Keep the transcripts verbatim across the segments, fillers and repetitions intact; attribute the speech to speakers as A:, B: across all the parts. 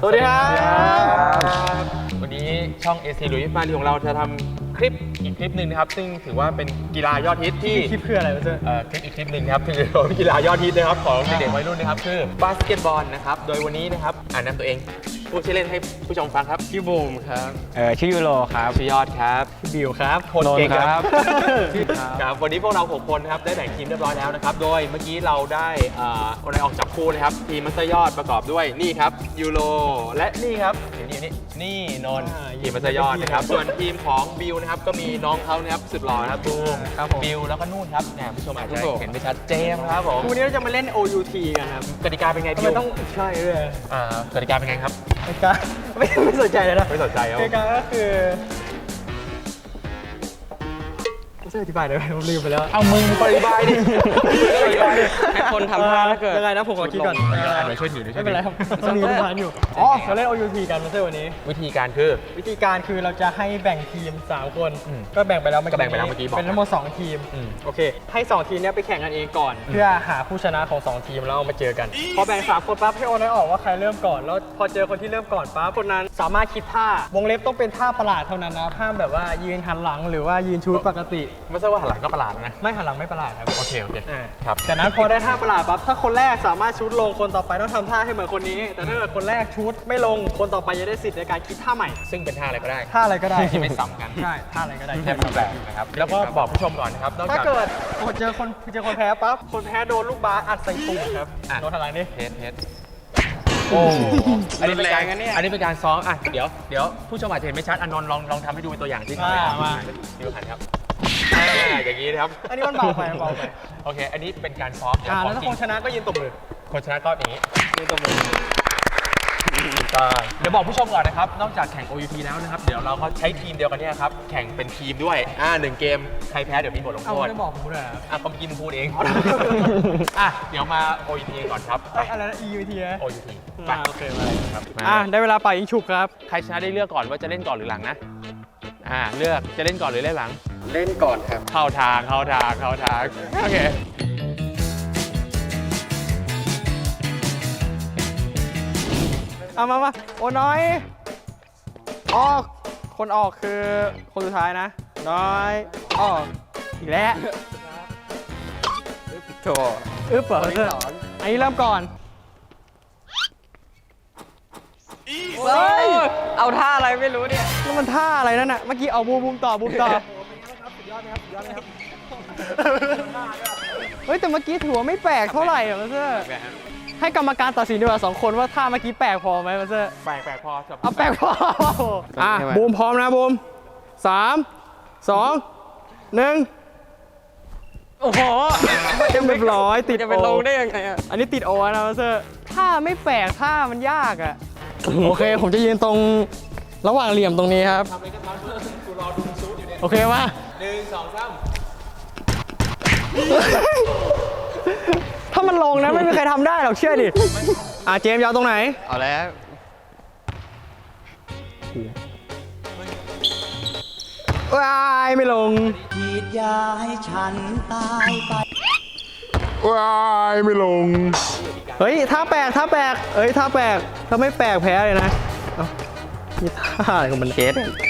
A: สวัสดีครับวันนี้ช่อง เอ ซี ลุยส์ฟารีของเราจะทำคลิปอีกคลิปหนึ่งนะครับซึ่งถือว่าเป็นกีฬายอดฮิตที่
B: คลิปคืออะไรวะเจ้
A: เอ่อคลิปอีกคลิปหนึ่งนะครับคือกีฬายอดฮิตนะครับของเด็กๆวัยรุ่นนะครับคือบาสเกตบอลนะครับโดยวันนี้นะครับอ่านนำตัวเองพูดชื่อเล่นให้ผู้ชมฟังครับ
B: ชื่อบูมครับ
C: เออชื่อยูโรครับ
A: ชื่อยอดครับ
B: ชื่อบิวครับ
A: คนเก่งครับ
B: ชื่อ
A: ครับวันนี้พวกเราหกคนนะครับได้แบ่งทีมเรียบร้อยแล้วนะครับโดยเมื่อกี้เราได้อ่าคนไหนออกจับคู่นะครับทีมมัสเตอร์ยอดประกอบด้วยนี่ครับยูโรและนี่ครับนี่นี่นี่นนท์ทีมมัสเตอร์ยอดนะครับส่วนทีมของบิวนะครับก็มีน้องเขานะครับสุดหล่อนะครับบูมบิวแล้วก็นู่นครับเนี่ยผู้ชมอาจจะเห็นไม่ชัดเจมครับผม
B: คู่นี้เราจะมาเล่น โอ ยู ที กันครับ
A: กติกาเป็นไง
B: ทำ
A: บิ
B: ไม
A: ว
B: ต้องใช่ด้วย
A: อ่ากติกาเป็นไงครับ
B: กติกาไม่ไม่สนใจเลยนะ
A: ไม่สนใจครับ
B: กติกาก็คือไม่ใช่อธิบายเลยผมลืมไปแล้ว
A: เอามึงปฏิบายดิให้คนทำท่าแล้วเกิด
B: ยังไงนะผมขอคิดก่อน
A: อ่านมาช่วยถือด้วย
B: ไม่เป็นไรครับต้องมีทุกทานอยู่อ๋อเราเล่น โอ ยู ที กันมาเซอร์วันนี้
A: วิธีการคือ
B: วิธีการคือเราจะให้แบ่งทีมสามคน
A: อืม
B: ก็แบ่งไปแล้วเมื่อ
A: ก็
B: กี้
A: แบ่งไปแล้วเมื่อกี้บอก
B: เป็นทั้งหมดสองทีม
A: อืม
B: โอเคให้สองทีมเนี้ยไปแข่งกันเองก่อน เพื่อหาผู้ชนะของสองทีมแล้วเอามาเจอกันพอแบ่งสามคนปั๊บให้โอนให้ออกว่าใครเริ่มก่อนแล้วพอเจอคนที่เริ่มก่อนปั๊บคนนั้นสามารถคิดท่าวงเล็บต้องเป็นท่าประหลาดเท่านั้นนะห้ามแบบว่ายืนหันหลังหรือว่ายืนชูดปกติ
A: ไม่ใช่ว่าหันหลังก็ประหลาดนะ
B: ไม่หันหลังไม่ประหลาดครับ
A: โอเคโอเค
B: อ่า
A: ครับ
B: จากนั้นพอได้ท่าประหลาดปั๊บถ้าคนแรกสามารถชูดลงคนต่อไปต้องทำท่าให้เหมือนคนนี้ แต่ถ้าเกิดคนแรกชูดไม่ลงคนต่อไปจะได้สิทธิ์ในการคิดท่าใหม่
A: ซึ่งเป็นท่าอะไรก็ได้
B: ท่าอะไรก็ได้
A: ที่ไม่ซ้ำกัน
B: ใช่ท่าอะไรก็ได้
A: แค่รูปแบบนะครับแล้วก็บอกผู้ชมก่อนนะครับนอก
B: ถ้า
A: จาก
B: เกิดเจอคนเจอคนแพ้ปั๊บคนแพ้โดนลูกบาสอัดใส่ตุ่มครับ
A: อ่ะ
B: โดนทางหลังนี่
A: เทสเทสโอ้อันนี้เป็นการอันนี้เป็นการซ้อมอ่ะเดี๋ยวเดี๋ยวผู้ชมอาจจะเห็นไม่ชัดอนนท์ลองลองทำให้ดูเป็นตัวอย่างที่
B: มามา
A: ดูหันครับอ่าอย่างนี้นะครับ
B: อันนี้มันเบาไปมันเบาไป
A: โอเค อันนี้เป็นการซ้อม
B: อ่า
A: ข
B: แล้
A: อ
B: ว
A: ง
B: ถ้า
A: จริ
B: ค
A: ง
B: นชนะก็ยืนตบมือ
A: คนชนะก็อย่างนี้
B: ยืนตบมือ
A: เดี๋ยวบอกผู้ชมก่อนนะครับ นอกจากแข่ง โอ ยู ที แล้วนะครับ เดี๋ยวเราก็ใช้ทีมเดียวกันเนี่ยครับ แข่งเป็นทีมด้วย อ่าหนึ่งเกม ใครแพ้เดี๋ยวมีบทลง
B: เอา
A: โทษ
B: ไม่บอกผมด้วยครับ
A: อ่ะความจริงมึงพูดเอง อ่ะ เดี๋ยวมา โอ ยู ที ก่อนครับ
B: เอ้ยอะไรนะ อี ยู ที นะ
A: โอ ยู ที ไป
B: อ่าโอเคมา
A: ครับ
B: อ่ะได้เวลาป่ายิงฉุบครับ
A: ใครชนะได้เลือกก่อนว่าจะเล่นก่อนหรือหลังนะ อ่า เลือกจะเล่นก่อนหรือเล่นหลัง
C: เล่นก่อนครับ
A: เข้าทาง เข้าทาง เข้าทาง โอเค
B: เอามามาโอ้น้อยออกคนออกคือคนสุดท้ายนะ น้อยออกอีกแล้วโถอึ๊บเหรอเพื่อนอันนี้เริ่มก่อน
C: เฮ้ย เอาท่าอะไรไม่รู้เนี่ย
B: แล้วมันท่าอะไรนั่นน่ะ เมื่อกี้เอาบูมบูมต่อบูมต่อเฮ้ยแต่เมื่อกี้ถือว่าไม่แปลกเท่าไหร่อะมาเซอร์ให้กรรมการตัดสินดีกว่าสองคนว่าท่าเมื่อกี้แปลกพอไหมมาเซอร์
A: แปลกแปลกพอจบ
B: เอาแปลกพออ่ะบูมพร้อมนะบูมสามสองหนึ่งโอ้โหเรียบร้อยติด
C: จะไปลงได้ยังไงอ่ะ
B: อันนี้ติดโอนะมาสเตอร์ท่าไม่แปลกท่ามันยากอ่ะ โอเคผมจะยืนตรงระหว่างเหลี่ยมตรงนี้ครับโอเคมา
A: หนึ่งสองสาม
B: ถ้ามันลงนะไม่มีใครทำได้หรอกเชื่อดิอ่ะเจมส์ยาวตรงไหน
C: เอาแล้ว
B: ว้ายไม่ลง
D: ฉีดยาให้ฉันตายไป
B: ว้ายไม่ลงเฮ้ยท่าแปลกท่าแปลกเอ้ยท่าแปลกถ้าไม่แปลกแพ้เลยนะเอ้านี่ท่าอะไรของมันเกส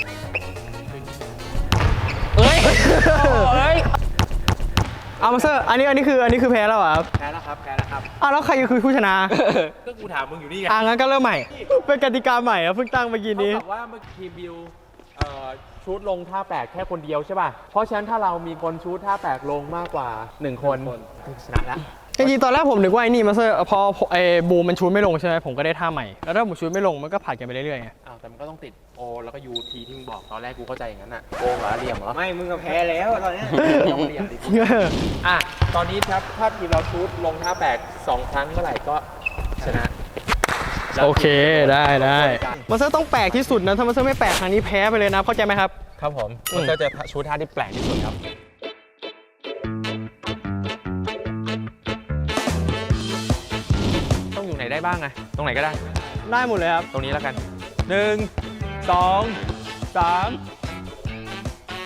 C: เฮ้ย เฮ้ย
B: เอามาเซอร์อันนี้อันนี้คืออันนี้คือแพ้แล้วเหรอครับ
A: แพ้แล้วครับแพ้แล้วครับ
B: อ้าวแล้วใครคือผู้ชนะ
A: ก็กูถามมึงอยู่นี่ไง
B: อ่ะงั้นก็เริ่มใหม่ เป็นกติกาใหม่อะเพิ่งตั้งเมื่อกี้นี้
A: เท่ากับว่าเมื่อกี้บิวเอ่อชูดลงท่าแปลกแค่คนเดียวใช่ป่ะ เพราะฉะนั้นถ้าเรามีคนชูดท่าแปลกลงมากกว่าหนึ่งคนชนะแล้ว
B: จริงๆตอนแรกผมนึกว่าไอ้นี่มาเซอร์พอไอ้บูมมันชูดไม่ลงใช่ไหมผมก็ได้ท่าใหม่ แล้วถ้าผมชูดไม่ลงมันก็ผัดกันไปเรื่อยๆไง
A: อ้าวแต่มันก็ต้องติดโอแล้วก็ยูทีที่มึงบอกตอนแรกกูเข้าใจอย่างนั้นอ่ะโกงเหรอเหลี่ยมเหรอ
D: ไม่มึงก็แพ้แล้วตอนนี้
A: ต้องเหลี่ยมดิอ่ะตอนนี้ครับถ้าทีมเราชูดลงท่าแปลกสองครั้งเมื่อไหร่ก็ชนะ
B: โอเคได้ได้มาเซอร์ต้องแปลกที่สุดนะถ้ามาเซอร์ไม่แปลกครั้งนี้แพ้ไปเลยนะเข้าใจไหมครับ
A: ครับผมมันก็จะชูดท่าที่แปลกที่สุดครับต้องอยู่ไหนได้บ้างไงตรงไหนก็ได้
B: ได้หมดเลยครับ
A: ตรงนี้แล้วกันหนึ่งสองสาม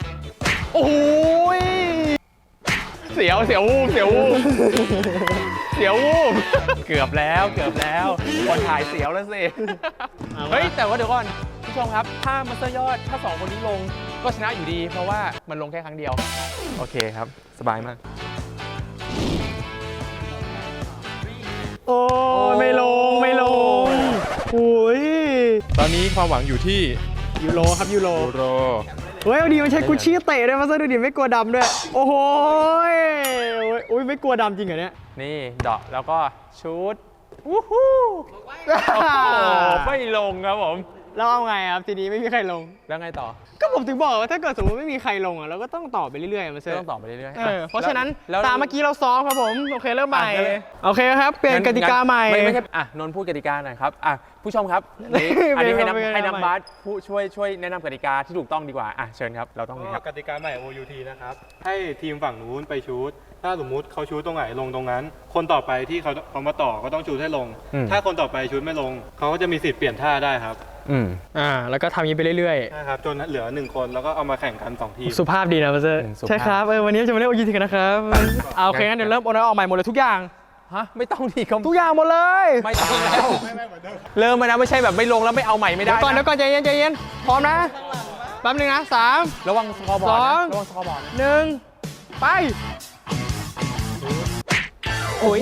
A: โอ้ยเสียวเสียววูบเสียววูบเสียววูบเกือบแล้วเกือบแล้วคนถ่ายเสียวแล้วสิเฮ้ยแต่ว่าเดี๋ยวก่อนผู้ชมครับถ้ามัสเตอร์ยอดถ้าสองคนนี้ลงก็ชนะอยู่ดี เพราะว่ามันลงแค่ครั้งเดียวโอเคครับสบายมาก
B: โอ้ยไม่ลงไม่ลงโอ้ย
A: ตอนนี้ความหวังอยู่ที่
B: ยูโรครับยูโร
A: ยูโร
B: เฮ้ยเอาดีมันใช้กุชชี่เตะด้วยมาซะดูดิไม่กลัวดำด้วยโอ้โหยโอ้ยไม่กลัวดำจริงเหรอเนี่ย
A: นี่เดาะแล้วก็ชูดวู้ฮู้โอ้โหไม่ลงครับผม
B: แล้วเอาไงครับทีนี้ไม่มีใครลง
A: แล้วไงต่อ
B: ก็ผมถึงบอกว่าถ้าเกิดสมมติไม่มีใครลงอ่ะเราก็ต้องต่อไปเรื่อยๆมาเซอ
A: ก็
B: ร์
A: ต้องต่อไปเรื่อยๆ
B: เออเพราะฉะนั้น
A: แล้ว
B: ตามเมื่อกี้เราซ้อมครับผมโอเคเริ่มใหม่
A: อ่ะเลย
B: โอเคครับเปลี่ยนกติกาใหม่
A: ไม่ไม่ใช่อ่ะนนท์พูดกติกาหน่อยครับอ่ะผู้ชมครับนี่อันนี้ให้
B: เป็น
A: น้ำให้
B: เป็น
A: น้ำบาสผู้ช่วยช่วยแนะนำกติกาที่ถูกต้องดีกว่าอ่ะเชิญครับเราต้องนี่ครับ
E: กติกาใหม่ โอ ยู ที นะครับ ให้ทีมฝั่งนู้นไปชูตถ้าสมมุติเขาชูตตรงไหนลงตรงนั้น คนต่อไปที่เขาเขามาต่อก็ต้องชูตให้ลง
A: อืม
E: ถ้าคนต่อไปชูตไม่ลง เขาก็จะมีสิทธิ์เปลี่ยนท่าได้ครับ
A: อืม
B: อ่าแล้วก็ทำอย่างนี้ไปเรื่อย
E: นะครับจนเหลือหนึ่งคนแล้วก็เอามาแข่งกันสองทีม
B: ๆสุภาพดีนะมาเซอร์
A: อืมสุภาพ
B: ใช่ครับเออวันนี้จะมาเล่นโอยูทีกันนะครับเอาโอเคงั้นเดี๋ยวเริ่มโอนออกใหม่หมดเลยทุกอย่าง
A: ฮะไม่ต้องดีเขา
B: ทุกอย่างหมดเลย
A: ไม่ต้องแล้วเริ่มมานะไม่ใช่แบบไม่ลงแล้วไม่เอาใหม่ไม่ได้
B: เดี๋ยวก่อนเดี๋ยว
A: นะ
B: ก่อนใจเย็นใจเย็นพร้อมนะแป๊บนึงนะสาม
A: ระวังสกอร์บอร์ด
B: สอ
A: นะ
B: ง
A: ระวังสกอร์บอร์ดนะ
B: หนึ่งไปโอ้ย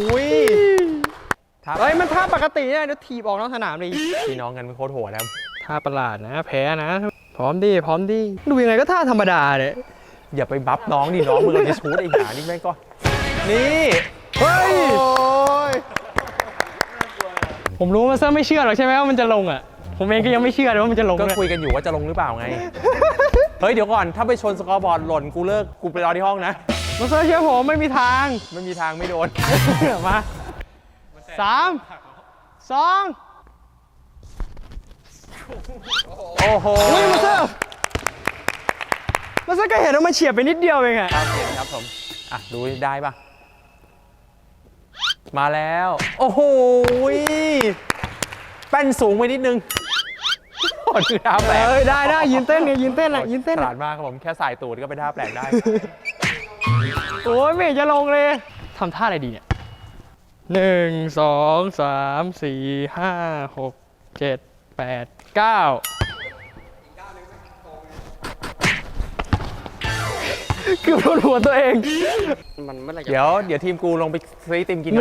A: ครับ
B: เฮ้ยมันท่าปกติเนี่ยเดี๋ยวถีบออกนอกสนามเลย
A: พี่น้องกันเป็นโคตรโหดนะครับ
B: ท่าประหลาดนะแพ้นะพร้อมดิพร้อมดิดูยังไงก็ท่าธรรมดาเนี่ย
A: อย่าไปบัฟน้องดิน้องมึงจะชูดไอ้หานี่แม่งก็นี่
B: เฮ้ยผมรู้ว่าเซอร์ไม่เชื่อหรอกใช่ไหมว่ามันจะลงอ่ะผมเองก็ยังไม่เชื่อเลยว่ามันจะลง
A: ก็
B: เลย
A: คุยกันอยู่ว่าจะลงหรือเปล่าไง เฮ้ยเดี๋ยวก่อนถ้าไปชนสกอร์บอร์ดหล่นกูเลิกกูไปรอที่ห้องนะ
B: มาเซอร์เชื่อผมไม่มีทาง
A: ไม่มีทางไม่โดน
B: มาสามสอง
A: โอ้โห
B: อุ้ยมาเซอร์มาเซอร์ก็เห็นว่ามันเฉียบไปนิดเดียวเองอะ
A: ครับเห็นครับผมอ่ะดูได้ปะมาแล้ว โอ้โหแป้นสูงไปนิดนึงโอ้ดูท่าแปลก
B: เอ้ยได้ได้ยืนเต้นเนี่ยยืนเต้นอ่ะยืนเต้น
A: ฉ
B: อะ
A: ลาดมากครับผมแค่สายตูดก็เป็นท่าแปลกได้
B: โอ้ยไม่เห็นจะลงเลยทำท่าอะไรดีเนี่ยหนึ่งสองสามสี่ห้าหกเจ็ดแปดเก้าเกือบโดนหัวตัวเอง
A: เดี๋ยวเดี๋ยวทีมกูลงไปซื้อไอติมกินนะ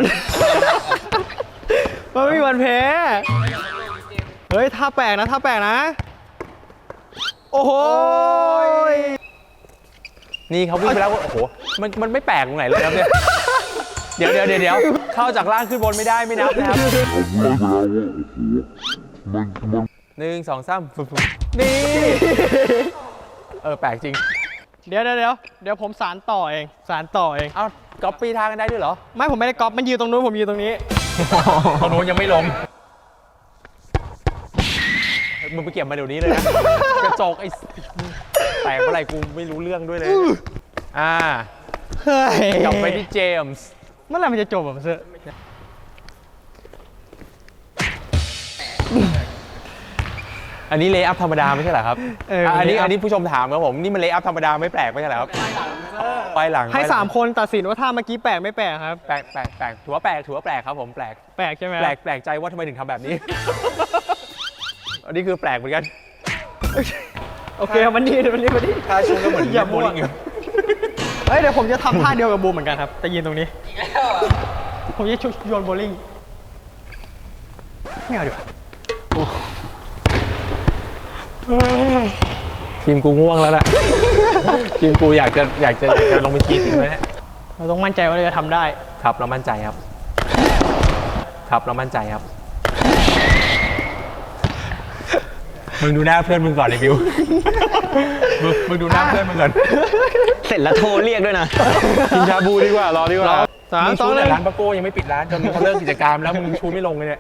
B: มันไม่มีวันแพ้เฮ้ยท่าแปลกนะท่าแปลกนะโอ้โห
A: นี่เขาวิ่งไปแล้วโอ้โหมันมันไม่แปลกตรงไหนเลยครับเนี่ยเดี๋ยวเดี๋ยวเดี๋ยวเดี๋ยวเข้าจากล่างขึ้นบนไม่ได้ไม่นับนะครับหนึ่งสองสามนี่เออแปลกจริง
B: เดี๋ยวเดี๋ยวเดี๋ยวเดี๋ยวผมสารต่อเองสารต่อเอง
A: เอาก๊อปปี้ทางกันได้ด้วยเหรอ
B: ไม่ผมไม่ได้ก๊อปมันยืนตรงนู้นผมยืนตรงนี้
A: ตอนนู้นยังไม่ลงมึงไปเก็บมาเดี๋ยวนี้เลยนะกระจกไอ้แตกเมื่อไหร่กูไม่รู้เรื่องด้วยเลยอ่า
B: เฮ้ย
A: กลับไปที่เจมส์
B: เมื่อไหร่มันจะจบแบบเซอร์
A: อันนี้เลย์อัพธรรมดาไม่ใช่เหรอครับ
B: เออ
A: อ่ะ
B: อั
A: อันนี้อันนี้ผู้ชมถามครับผมนี่มันเลย์อัพธรรมดาไม่แปลกไม่ใช่เหรอครับไปหลัง
B: ให้
A: ไปลัง
B: สามคนตัดสินว่าท่าเมื่อกี้แปลกไม่แปลกครับ
A: แปลกแปลกแปลกถือว่าแปลกถือว่าแปลกครับผมแปลก
B: แปลกใช่ไหม
A: แปลกแปลกใจว่าทำไมถึงทำแบบนี้ อันนี้คือแปลกเหมือนกัน
B: โอเคมันดีมันดีมันดี
A: ถ้าชูก็เหมือน
B: อย่า
A: โบ
B: มั่ว
A: ลิ่งอยู่
B: เฮ้ยเดี๋ยวผมจะทำท่าเดียวกับบูมเหมือนกันครับแต่ยืนตรงนี้ผมจะโยนโบลิ่งไม่เอาดีกว่า
A: ทีมกูง่วงแล้วแหละทีมกูอยากจะอยากจะอยากจะลงไปชีดจริงไหมเนี่ย
B: เราต้องมั่นใจว่าเราจะทำได้
A: ครับเรามั่นใจครับ ครับเรามั่นใจครับ มึงดูหน้าเพื่อนมึงก่อนไอ้บิว มึงมึงดูหน้าเพื่อนมึงก่อน
C: เสร็จแล้วโทรเรียกด้วยนะ
A: กินชาบูดีกว่ารอดีกว่า
B: สาม
A: มึง
B: สอ
A: ชู
B: งห
A: แต่
B: นึ่ง
A: ร้านปาโก้ยังไม่ปิดร้านจนเขาเลิกกิจการแล้วมึงชูไม่ลงเลยเนี่ย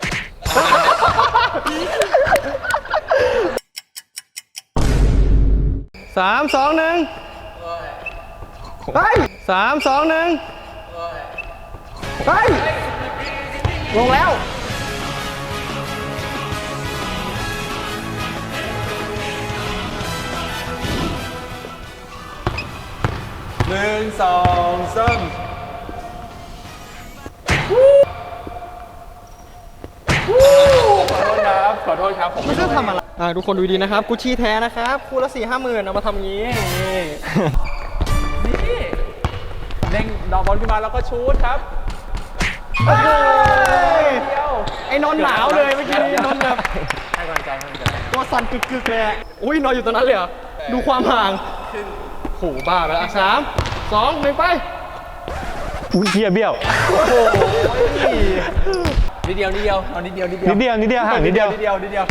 B: สามสองหนึ่งไปสามสองหนึ่งไปลงแล้ว
A: หนึ่งสองสามขอโทษครับผม
B: ไม่ใช่ทำอะไรอ่าทุกคนดูดีนะครับกุชชี่แท้นะครับคู่ละสี่ห้าหมื่นเอามาทำงี้นี่
A: นี่เด้งดอกบอลขึ้นมาแล้วก็ชูตครับ
B: โอ้โห
A: เดียว
B: ไอ้นนท์หนาวเลยเมื่อกี้นี้นนท์แบบ
A: ให้กำลังใจให้กำลังใจ
B: ตัวสั่นกึกๆเลยอะอุ้ยนอนอยู่ตรงนั้นเลยเหรอดูความห่างโหบ้าไปแล้วอ่ะสามสองหนึ่งไป
E: อุ้ยเบี้ยเบี้ยว
A: นิดเดียวนิดเดียวเอานิดเดียวนิดเดียว
E: นิดเดียวนิดเดียวห่างนิดเดียว
A: นิดเดียวนิดเดียว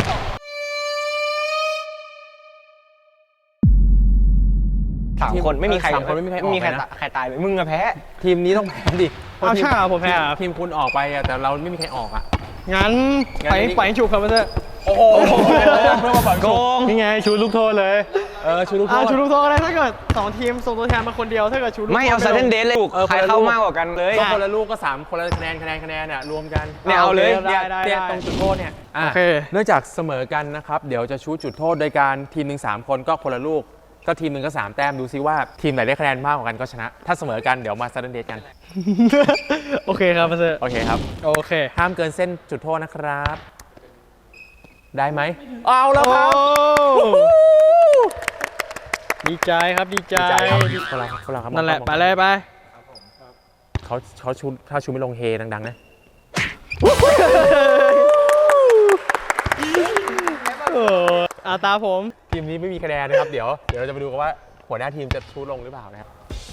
C: สามคนไม่มีใคร
A: สามคนไม่มีใครออก
C: มีใคร
A: เลยนะ
C: ใครตายไปมึงอะแพ้
A: ทีมนี้ต้องแพ้ดิ
B: เอาใช่เหรอผมแพ้เหรอ
A: ทีมคุณออกไปอะแต่เราไม่มีใครออกอะ
B: งั้น
A: งั้น
B: ไป
A: อันนี้
B: ไปฉุกครับเพื่อน
A: โอ้โหเพื่อมาฝัง
C: โกง
E: นี่ไงชูลูกโทษเลย
A: เออชูลูกโท
B: อ่า
A: ษ
B: ชูลูกโทษก็ได้ถ้าเกิดสองทีมส่งตัวแทนมาคนเดียวถ้าเกิดชูลูกโทษ
C: ไม่เอาซัดเทนเดสเลย
A: เออ
C: ใครเข้ามากกว่ากันเลย
A: ก็คนละลูกก็สามคนละคะแนนคะแนนคะแนนเนี่ยรวมกัน
C: เนี่ยเอาเลย
B: ได้
C: เนี่ย
B: ได้
A: เนี่ย
B: ได้
A: ตรงจุดโทษเนี่ยอ่ะ
B: โอเค
A: เนื่องจากเสมอกันนะครับเดี๋ยวจะชูจุดโทษโดยการทีมหนึ่งสามคนก็คนละลูกก็ทีมหนึ่งก็สามแต้มดูซิว่าทีมไหนได้คะแนนมากกว่ากันก็ชนะ ถ้าเสมอกันเดี๋ยวมาซัดเดทกัน
B: โอเคครับเพื่อน
A: โอเคครับ
B: โอเค
A: ห้ามเกินเส้นจุดโทษนะครับ ได้ไหมเอาแล้วครับ
B: โอ้ดีใจครับดีใจ
A: ดีใจครับคนเราคนเราครับ
B: นั่นแหละไปเลยไป
A: เขาเขาชูถ้าชูไม่ลงเฮดังๆนะ
B: โอ้อาตาผม
A: ทีมนี้ไม่มีคะแนนนะครับเดี๋ยวเดี๋ยวเราจะไปดูกันว่าหัวหน้าทีมจะชูลงหรือเปล่านะครับ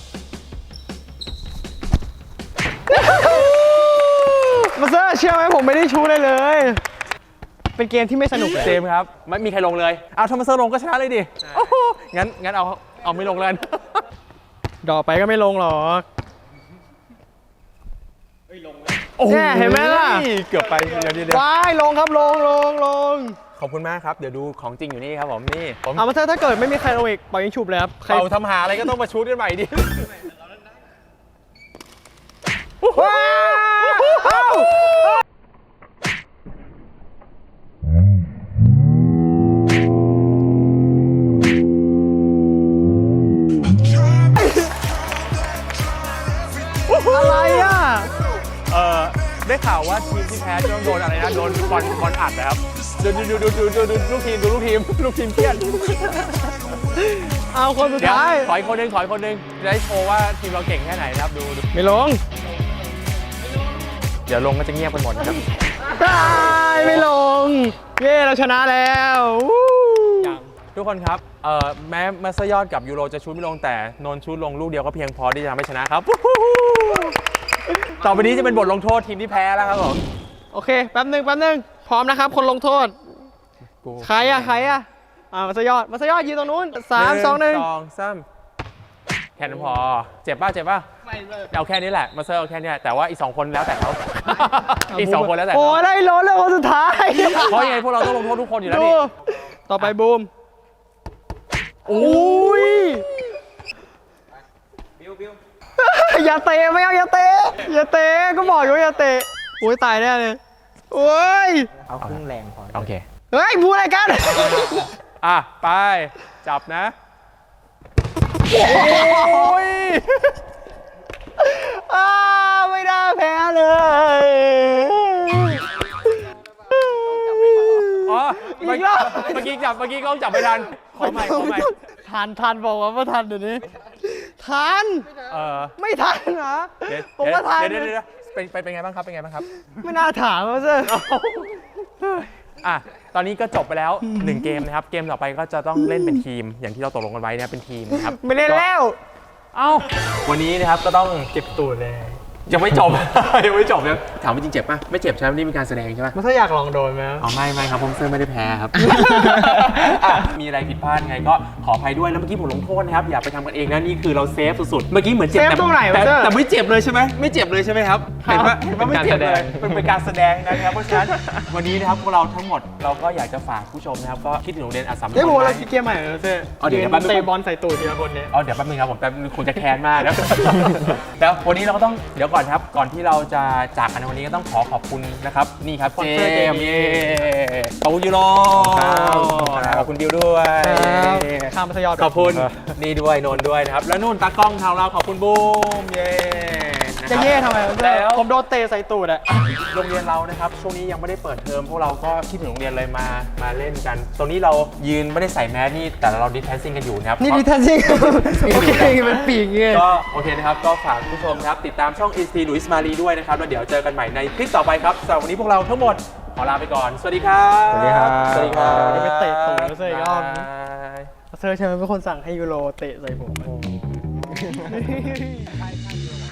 B: มาเซอร์เชื่อไหมผมไม่ได้ชูเลยเลย เป็นเกมที่ไม่สนุกเลย
A: เจมส์ครับไม่มีใครลงเลยเอาทอมัสเซอร์ลงก็ชนะเลยดิโอ้โหงั้นงั้นเอาเอาไม่ลงเลย
B: ดอกไปก็ไม่ลงหรอก
A: โอ้โ
B: เนี่ยเห็นไหมล่ะ
A: เกือบไปเดี๋ยวเดี๋ยวเดี๋ยว
B: ว้ายลงครับลงลงลง
A: ขอบคุณมากครับเดี๋ยวดูของจริงอยู่นี่ครับผมนี่ผม
B: เอามาเซอร์ถ้าเกิดไม่มีใครลงอีกปล่อยยิงฉุบเลยครับใคร
A: เป่าทำหาอะไรก็ต้องมาชูดกันใหม่ดิ
B: ว้าวอะไรอ่ะ
A: เออได้ข่าวว่าทีมที่แพ้จะต้องโดนอะไรนะโดนบอลบอลอัดนะครับดูดูดูดูดูดูลูกทีมดูลูกทีมลูกทีมเครียด
B: เอาคนสุด
A: เดี๋ยว
B: ท้าย
A: ขออีกคนหนึงขออีกคนหนึงจะได้โชว์ว่าทีมเราเก่งแค่ไหนนะครับดูดู
B: ไม่ลง
A: เดี๋ยวลงก็จะเงียบกันหมดนะครับ
B: ได้ไม่ลง เย้เราชนะแล้ววู้
A: ทุกคนครับเอ่อแม้มาสยอดกับยูโรจะชูดไม่ลงแต่นนท์ชูดลงลูกเดียวก็เพียงพอที่จะทำให้ชนะครับ ต่อไปนี้จะเป็นบทลงโทษทีมที่แพ้แล้วครับผม
B: โอเคแป๊บหนึ่งแป๊บหนึ่งพร้อมนะครับ คนลงโทษ ใครอะใครอะอ่ามาสยอดมาสยอดยืนตรงนู้นสามสองหนึ่ง
A: สองสามแค่นั้นพอเจ็บป่ะเจ็บป่ะเอาแค่นี้แหละมาเซอร์เอาแค่นี้แต่ว่าอีกสองคนแล้วแต่เขา อีกสองคนแล้วแต่
B: โอ้
A: เขา
B: ได้ล้นเลยคนสุดท้าย
A: เพราะยังไงพวกเราต้องลงโทษทุกคนอยู่แล้ว
B: ดู
A: นี่
B: ต่อไปบูม
A: โอ้
B: อุ้ยอย่าเตะไม่เอาอย่าเตะอย่าเตะก็บอกอยู่ว่าอย่าเตะโอ้ยตายแน่เลยโอ้ย
C: เอาครึ่งแรงพอ
A: โอเค
B: เฮ้ยพูดอะไรกัน
A: อ่ะไปจับนะโอ้ย
B: อ้าไม่ได้แพ้เลย
A: อ๋อเมื่อ
B: อีก
A: กี้
B: รอบ
A: เมื่อกี้จับเมื่อกี้กล้องจับไม่ทันขอใหม่ขอใหม่
B: ทันทันบอกว่าไม่ทันเดี๋ยวนี้ทัน
A: เออ
B: ไม่ทันเหรอ
A: เดี๋ยว
B: ผมว่าทัน
A: เดี๋ยวเดี๋ยวเดี๋ยวเป็นเป็นเป็นไงบ้างครับเป็นไงบ้างครับ
B: ไม่น่าถามเขาซะ
A: อ่ะ ตอนนี้ก็จบไปแล้วหนึ่งเกมนะครับ เกมต่อไปก็จะต้องเล่นเป็นทีม อย่างที่เราตกลงกันไว้นะครับเป็นทีมนะครับ
B: ไม่เล่นแล้ว
A: เอ้า วันนี้นะครับก็ต้อง
B: เก็บตูดเลย
A: ยังไม่จบ ยังไม่จบเลยถามว่าจริงเจ็บป่ะ ไม่เจ็บใช่ไหมนี่เป็นการแสดงใช่ไหม
B: มันถ้าอยากลองโดนไหม
A: อ๋อไม่ไม่ครับผมเซอร์ไม่ได้แพ้ครับ อ่ะมีอะไรผิดพลาดไงก็ขออภัยด้วยแล้วเมื่อกี้ผมลงโทษนะครับอย่าไปทำกันเองนะนี่คือเราเซฟสุดๆ เมื่อกี้เหมือนเจ็บ
B: เซฟ
A: แต่
B: ตรงไหนวะ
A: แต่
B: เซอร์
A: แต่ไม่เจ็บเลยใช่ไหมไม่เจ็บเลยใช่ไหมครับเห็นปะเห็นปะไม่เจ็บเลยมันเป็นการแสดงนะครับเพราะฉะนั้นวันนี้นะครับพวกเราทั้งหมดเราก็อยากจะฝากผู้ชมนะครับก็คิดถึงโรงเรียนอัสสัมชัญ
B: เฮ้ยผมเราคิดเกมใหม่เหรอเซ่
A: อ๋อเดี๋ยวเดี๋ยวแป๊บนึง
B: เตะบอลใส่ตูดทีละคนเนี่ย
A: อ๋อเดี๋ยวแป๊บนึงครับผมแต่คงจะแค้นมากแล้ว แล้ววันนี้เราก็ต้องเดี๋ยวก่อนครับก่อนที่เราจะจากกันในวันนี้ก็ต้องขอขอบคุณนะครับนี่ครับ
B: สปอน
A: เจ
B: เซอร์
A: มส์เย่ขอบคุณยูโรขอบคุณดิวด้วย
B: ข้ามมัธยม
A: ขอบคุณนี่ด้วยนนท์ด้วยนะครับแล้วนู่นตากล้องทางเราขอบคุณบูมเย่นค
B: จะ
A: รับ
B: เย่ทำไม
A: แล้ว
B: ผมโดนเตะใส่ตูดอะ
A: โรงเรียนเรานะครับช่วงนี้ยังไม่ได้เปิดเทอมพวกเราก็คิดถึงโรงเรียนเลยมามาเล่นกัน ตรงนี้เรายืนไม่ได้ใส่แมสนี่แต่เราดิสแทนซิ่งกันอยู่นะครับ
B: นี่ดิทันซิ่งโอเคมันปีกเงี้ย
A: ก็โอเคนะครับก็ฝากผู้ชมนะครับติดตามช่อง อี ซี หลุยส์มารีด้วยนะครับแล้วเดี๋ยวเจอกันใหม่ในคลิปต่อไปครับสำหรับวันนี้พวกเราทั้งหมดขอลาไปก่อนสวัสดีครับ
B: สวัสดีครับ
A: สวัสดีครับ
B: เดี๋ยวไปเตะตูดแล้วเซอร์อีกรอบ
A: บ๊ายบาย
B: เซอร์ใช่ไหมเป็นคนสั่งให้ยูโรเตะใส่ผม
A: โอ้